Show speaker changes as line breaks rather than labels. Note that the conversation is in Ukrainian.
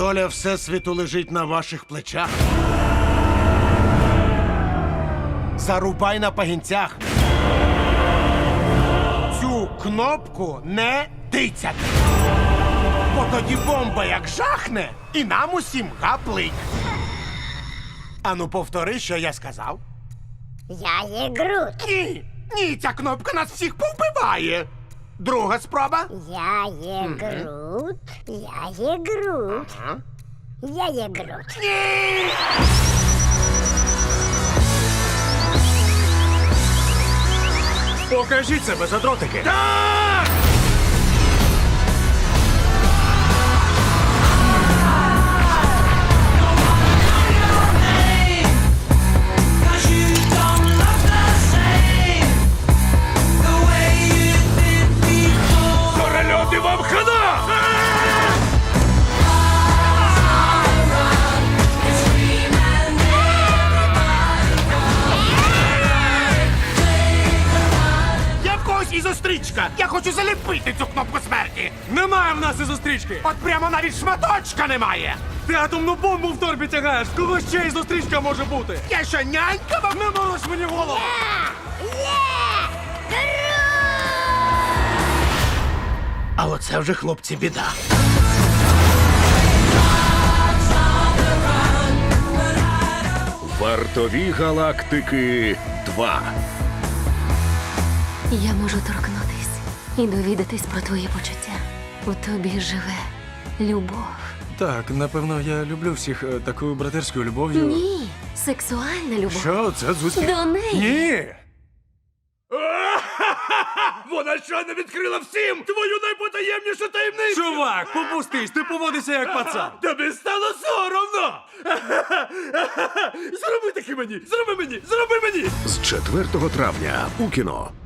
Доля Всесвіту лежить на ваших плечах. Зарубай на пагінцях. Цю кнопку не тицять. Бо тоді бомба як жахне, і нам усім гаплик. Ану, повтори, що я сказав.
Я є Грут.
Ні, ні, ця кнопка нас всіх повбиває. Друга спроба.
Я є Грут. Я є Грут. Я є Грут.
Покажіть себе, задротики!
Так!
Корольоти вам хана!
Я в когось і зустрічка. Я хочу заліпити цю кнопку смерті.
Немає в нас і зустрічки!
От прямо навіть шматочка немає.
Ти атомну бомбу в торбі тягаєш! Кого ще і зустрічка може бути?
Я що, нянька вам?
Не морочь мені голову!
А оце вже, хлопці, біда.
Вартові галактики 2.
Я можу торкнутись і довідатись про твої почуття. У тобі живе любов.
Так, напевно, я люблю всіх такою братерською любов'ю.
Ні, сексуальна любов.
Що? Це Дзузьки?
До неї.
Ні! Вона щойно відкрила всім твою найпотаємнішу таємницю! Чувак, попустись, ти поводишся як пацан! Тобі стало соромно! Зроби таки мені! Зроби мені! Зроби мені!
З 4 травня у кіно.